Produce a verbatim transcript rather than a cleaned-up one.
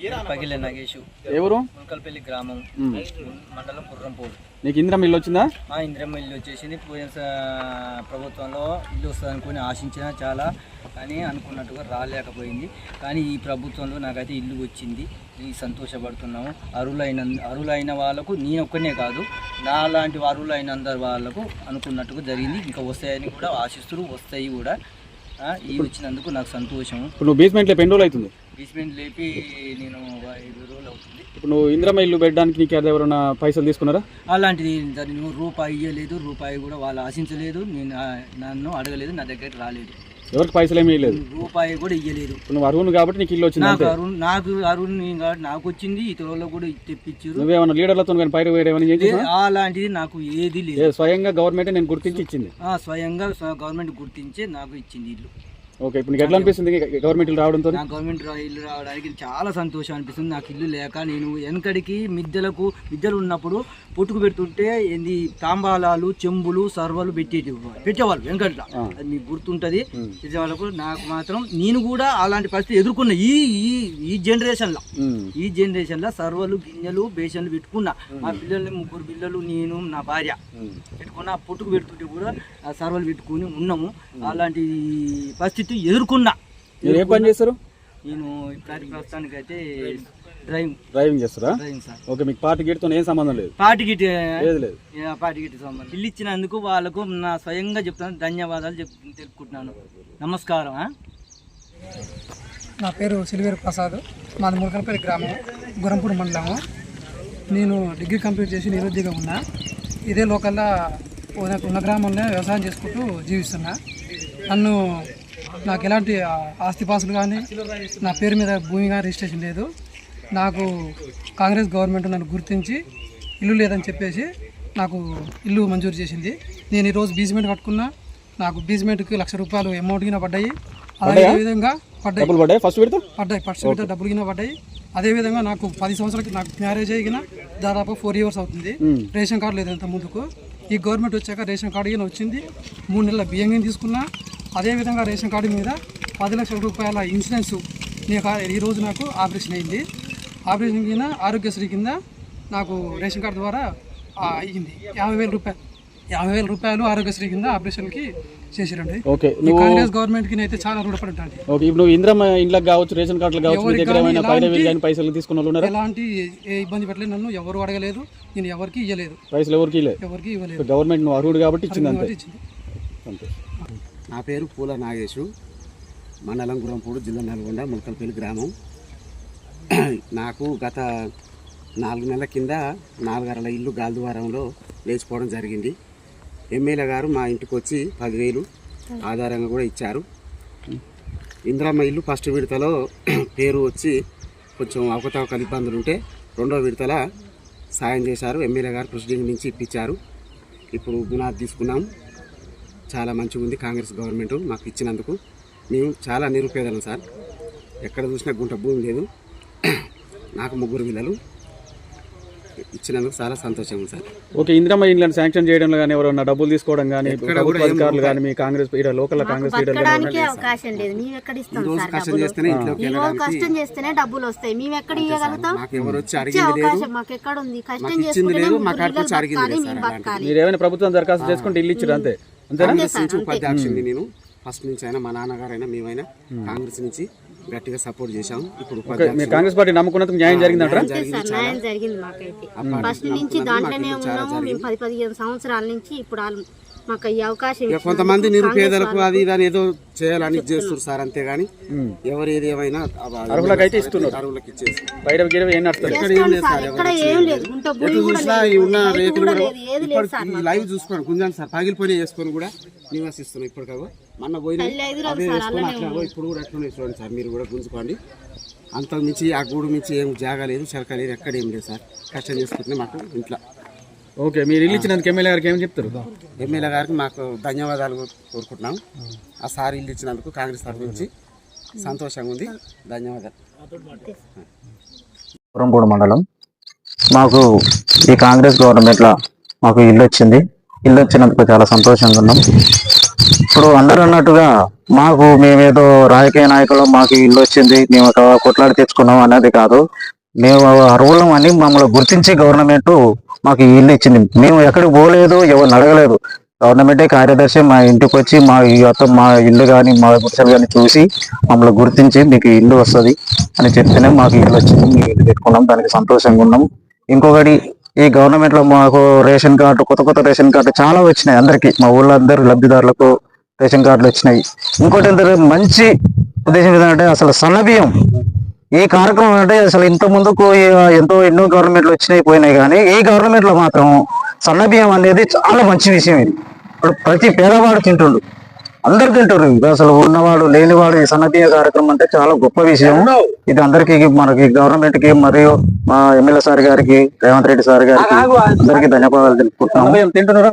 పగిలే నాగేషు ఎవరు మునకల్పల్లి గ్రామం మండలం గుర్రంపూడి. నీకు ఇందిరమ్మ ఇల్లు వచ్చిందా? ఆ ఇందిరమ్మ ఇల్లు వచ్చేసింది. పోయిన ప్రభుత్వంలో ఇల్లు వస్తుంది అనుకుని ఆశించిన చాలా, కానీ అనుకున్నట్టుగా రాలేకపోయింది. కానీ ఈ ప్రభుత్వంలో నాకైతే ఇల్లు వచ్చింది. ఈ సంతోషపడుతున్నాము. అరువులైన అరువులైన వాళ్ళకు నేను ఒక్కనే కాదు, నా లాంటి అరువులైన అందరు వాళ్ళకు అనుకున్నట్టుగా జరిగింది. ఇంకా వస్తాయని కూడా ఆశిస్తూ వస్తాయి కూడా. ఈ వచ్చినందుకు నాకు సంతోషం. ఇప్పుడు నువ్వు బేస్మెంట్ లేపి ఎన్ని రోజులు అవుతుంది? బేస్మెంట్ లేపి నేను ఐదు రోజులు అవుతుంది. ఇప్పుడు నువ్వు ఇందిరమ్మ ఇల్లు పెట్టడానికి నీకు ఎవరైనా పైసలు తీసుకున్నారా? అలాంటిది నువ్వు రూపాయి ఇవ్వలేదు, రూపాయి కూడా వాళ్ళు ఆశించలేదు, నేను నన్ను అడగలేదు, నా దగ్గరికి రాలేదు, ఎవరికి పైసలు ఏమీ ఇవ్వలేదు, రూపాయి కూడా ఇవ్వలేదు. నువ్వు అరువును కాబట్టి నీకు ఇల్లు వచ్చింది. నాకు అరుణ్ నాకు అరుణ్ కాబట్టి నాకు వచ్చింది. ఇతరులకు కూడా తెప్పించారు. నువ్వేమన్నా లీడర్లతో కానీ పైరు వేరేమని అలాంటిది నాకు ఏది లేదు. స్వయంగా గవర్నమెంట్ నేను గుర్తించి ఇచ్చింది. స్వయంగా గవర్నమెంట్ గుర్తించే నాకు ఇచ్చింది ఇల్లు. ఓకే, ఇప్పుడు నీకు ఎట్లా అనిపిస్తుంది గవర్నమెంట్ ఇల్లు రావడంతో? నాకు గవర్నమెంట్ ఇల్లు రావడానికి చాలా సంతోషం అనిపిస్తుంది. నాకు ఇల్లు లేక నేను వెనకడికి మిద్దెలకు మిద్దెలు ఉన్నప్పుడు పుట్టుకు పెడుతుంటే ఏంది తాంబాలాలు, చెంబులు, సర్వలు పెట్టేటి పెట్టేవాళ్ళు వెనకట్లా. అది మీకు గుర్తుంటుంది. వాళ్ళకు నాకు మాత్రం నేను కూడా అలాంటి పరిస్థితి ఎదుర్కొన్నా. ఈ ఈ జనరేషన్లో ఈ జనరేషన్లో సర్వలు, గిన్నెలు, బేసన్లు పెట్టుకున్నా. మా పిల్లల్ని ముగ్గురు పిల్లలు, నేను, నా భార్య పెట్టుకున్నా. పుట్టుకు పెడుతుంటే కూడా ఆ సర్వలు పెట్టుకుని ఉన్నాము. అలాంటి పరిస్థితి ఎదుర్కొన్నా. మీరు ఏ పని చేస్తారు? నేను ఇప్పటి ప్రస్తుతానికి అయితే డ్రైవింగ్ డ్రైవింగ్ చేస్తారా? Driving sir. ఓకే, మీకు పార్టీ గిట్తో ఏం సంబంధం లేదు? పార్టీ గిట్ లేదు లేదు పార్టీ గిట్ సంబంధం. ఇల్లు ఇచ్చినందుకు వాళ్ళకు నా స్వయంగా చెప్తాను, ధన్యవాదాలు చెప్ తెలుపుకుంటున్నాను. నమస్కారం. నా పేరు సిల్వేరు ప్రసాద్, మాది మునకల్పల్లి గ్రామం, గుర్రంపూడి మండలము. నేను డిగ్రీ కంప్లీట్ చేసి నిరుద్యోగం ఉన్నా. ఇదే లోకల్లా ఉన్న గ్రామంలో వ్యవసాయం చేసుకుంటూ జీవిస్తున్నా. నన్ను నాకు ఎలాంటి ఆస్తిపాసులు కానీ నా పేరు మీద భూమి కానీ రిజిస్ట్రేషన్ లేదు. నాకు కాంగ్రెస్ గవర్నమెంట్ నన్ను గుర్తించి ఇల్లు లేదని చెప్పేసి నాకు ఇల్లు మంజూరు చేసింది. నేను ఈరోజు బేస్మెంట్ కట్టుకున్నా. నాకు బేస్మెంట్కి లక్ష రూపాయలు అమౌంట్ కింద పడ్డాయి. అదేవిధంగా పడ్డాయి పడ్డాయి ఫస్ట్ ఫస్ట్ విడత డబ్బులు కింద పడ్డాయి. అదేవిధంగా నాకు పది సంవత్సరాలకి నాకు మ్యారేజ్ అయిన దాదాపు ఫోర్ ఇయర్స్ అవుతుంది. రేషన్ కార్డు లేదు అంత ముందుకు. ఈ గవర్నమెంట్ వచ్చాక రేషన్ కార్డు కింద వచ్చింది. మూడు నెలల బియ్యం కింద తీసుకున్నా. అదేవిధంగా రేషన్ కార్డు మీద పది లక్షల రూపాయల ఇన్సూరెన్స్ నేను ఈరోజు నాకు ఆపరేషన్ అయింది. ఆపరేషన్ కింద ఆరోగ్యశ్రీ కింద నాకు రేషన్ కార్డు ద్వారా అయ్యింది. యాభై వేల రూపాయలు యాభై వేల రూపాయలు ఆరోగ్యశ్రీ కింద ఆపరేషన్కి చేసిరండి. ఓకే, కాంగ్రెస్ గవర్నమెంట్ కి అయితే చాలా రుణపడి ఉంటాను. ఓకే, ఇప్పుడు ఇందిరమ్మ ఇండ్లకు కావచ్చు, రేషన్ కార్డులు కావచ్చు, మీ దగ్గర ఏమైనా పైసలు తీసుకున్న వాళ్ళు ఉన్నారా? ఎలాంటి ఏ ఇబ్బంది పెట్టలేదు. నన్ను ఎవరు అడగలేదు, నేను ఎవరికి ఇవ్వలేదు, పైసలు ఎవరికి ఎవరికి ఇవ్వలేదు. గవర్నమెంట్ నువ్వు అర్హుడు కాబట్టి ఇచ్చింది అంతే. నా పేరు పూల నాగేశు, మండలం గుర్రంపూడి, జిల్లా నల్గొండ, మునకల్పల్లి గ్రామం. నాకు గత నాలుగు నెలల కింద నాలుగరల ఇల్లు గాల్దువారంలో లేచిపోవడం జరిగింది. ఎమ్మెల్యే గారు మా ఇంటికి వచ్చి పదివేలు ఆధారంగా కూడా ఇచ్చారు. ఇందిరమ్మ ఇల్లు ఫస్ట్ విడతలో పేరు వచ్చి కొంచెం అవకతవకలు ఇబ్బందులు ఉంటే రెండో విడతల సాయం చేశారు. ఎమ్మెల్యే గారు ప్రెసిడెంట్ నుంచి ఇప్పించారు. ఇప్పుడు గుణాది తీసుకున్నాం. చాలా మంచిగా ఉంది కాంగ్రెస్ గవర్నమెంట్ మాకు ఇచ్చినందుకు. మేము చాలా నిరుపేదలం సార్. ఎక్కడ చూసినా గుంట భూమి లేదు. నాకు ముగ్గురు పిల్లలు. ఇచ్చినందుకు చాలా సంతోషం ఉంది సార్. ఓకే, ఇందిరమ్మ ఇళ్ళని శాంక్షన్ చేయడంలో కానీ ఎవరైనా డబ్బులు తీసుకోవడం కానీ ప్రభుత్వ అధికారులు కానీ మీ కాంగ్రెస్ లోకల్ కాంగ్రెస్ అవకాశం లేదు. మేము ఎక్కడ ఇస్తాం సార్? కష్టం చేస్తేనే ఈ రోజు కష్టం చేస్తేనే డబ్బులు వస్తాయి. మేము ఎక్కడ ఇవ్వగలుగుతాం? ఎవరు వచ్చి అడిగేది లేదు, మాకు ఎక్కడ ఉంది? కష్టం ఇచ్చింది చేసుకుంటే లేదు, మాకు అడిగి అడిగింది లేదు సార్. మీరు ఏమైనా ప్రభుత్వం దరఖాస్తు చేసుకుంటే ఇల్లు ఇచ్చారు అంతే. కాంగ్రెస్ నుంచి ఉపాధ్యక్షుడిని నేను ఫస్ట్ నుంచి అయినా మా నాన్నగారైనా మేమైనా కాంగ్రెస్ నుంచి గట్టిగా సపోర్ట్ చేశాము. ఇప్పుడు కాంగ్రెస్ పార్టీ నమ్ముకున్నందుకు న్యాయం జరిగిందంటారా? న్యాయం జరిగింది మాకైతే. ఫస్ట్ నుంచి దాంట్లోనే ఉన్నాము మేము. పది పదిహేను సంవత్సరాల నుంచి ఇప్పుడు మాకు ఈ అవకాశం. కొంతమంది నిరుపేదలకు అది దాని ఏదో చేయాలని చేస్తారు సార్, అంతేగాని ఎవరు ఏది ఏమైనా అర్హులకైతే ఇస్తున్నారు. అర్హులకు ఇచ్చేసి బయట ఏం నడుస్తారు? ఉన్న రేకులు లైవ్ చూసుకోండి, గుంజాను సార్, పగిలిపోయి వేసుకొని కూడా నివాసిస్తున్నాం. ఇప్పటికో మొన్న పోయిన అదే వేసుకొని అట్లా ఇప్పుడు కూడా అట్లనే చూడండి సార్, మీరు కూడా గుంజుకోండి. అంత మించి ఆ గూడు మించి ఏం జాగా లేదు, చెలక లేదు, ఎక్కడ ఏం లేదు సార్. కష్టం చేసుకుంటే మాకు ఇంట్లో. ఓకే, మీరు ఇల్లు ఇచ్చినందుకు ఎమ్మెల్యే గారికి ఏం చెప్తారు? ఎమ్మెల్యే గారికి మాకు ధన్యవాదాలు కోరుకుంటున్నాం. ఆ సార్ ఇల్లు ఇచ్చినందుకు కాంగ్రెస్ తరఫు నుంచి సంతోషంగా ఉంది. ధన్యవాదాలు. గుర్రంపూడి మండలం. మాకు ఈ కాంగ్రెస్ గవర్నమెంట్లో మాకు ఇల్లు వచ్చింది. ఇల్లు వచ్చినందుకు చాలా సంతోషంగా ఉన్నాం. ఇప్పుడు అందరూ అన్నట్టుగా మాకు మేమేదో రాజకీయ నాయకులు మాకు ఇల్లు వచ్చింది మేము ఒక కొట్లాడి తెచ్చుకున్నాం అనేది కాదు. మేము అర్హులం అని మమ్మల్ని గుర్తించి గవర్నమెంట్ మాకు ఈ ఇల్లు ఇచ్చింది. మేము ఎక్కడికి పోలేదు, ఎవరిని అడగలేదు. గవర్నమెంటే కార్యదర్శి మా ఇంటికి వచ్చి మా ఈ మొత్తం మా ఇల్లు కానీ మా గుడిసెలు కానీ చూసి మమ్మల్ని గుర్తించి మీకు ఈ ఇల్లు వస్తుంది అని చెప్తేనే మాకు ఇల్లు వచ్చింది. మేము ఇల్లు పెట్టుకున్నాం, దానికి సంతోషంగా ఉన్నాం. ఇంకొకటి, ఈ గవర్నమెంట్ లో మాకు రేషన్ కార్డు, కొత్త కొత్త రేషన్ కార్డు చాలా వచ్చినాయి. అందరికి మా ఊళ్ళో అందరు లబ్ధిదారులకు రేషన్ కార్డులు వచ్చినాయి. ఇంకోటి ఏంటంటే మంచి ఉద్దేశం ఏంటంటే అసలు సన్నబియ్యం ఈ కార్యక్రమం అంటే అసలు ఇంత ముందుకు ఎంతో ఎన్నో గవర్నమెంట్లు వచ్చినాయి పోయినాయి, కానీ ఈ గవర్నమెంట్ లో మాత్రం సన్నబియ్యం అనేది చాలా మంచి విషయం. ఇది ఇప్పుడు ప్రతి పేదవాడు తింటుండు, అందరు తింటారు. ఇది అసలు ఉన్నవాడు లేనివాడు ఈ సన్నబియ్య కార్యక్రమం అంటే చాలా గొప్ప విషయం. ఇది అందరికి, మనకి గవర్నమెంట్ కి మరియు మా ఎమ్మెల్యే సార్ గారికి, రేవంత్ రెడ్డి సార్ గారికి అందరికీ ధన్యవాదాలు తెలుపుకుంటున్నాము. తింటున్నారా?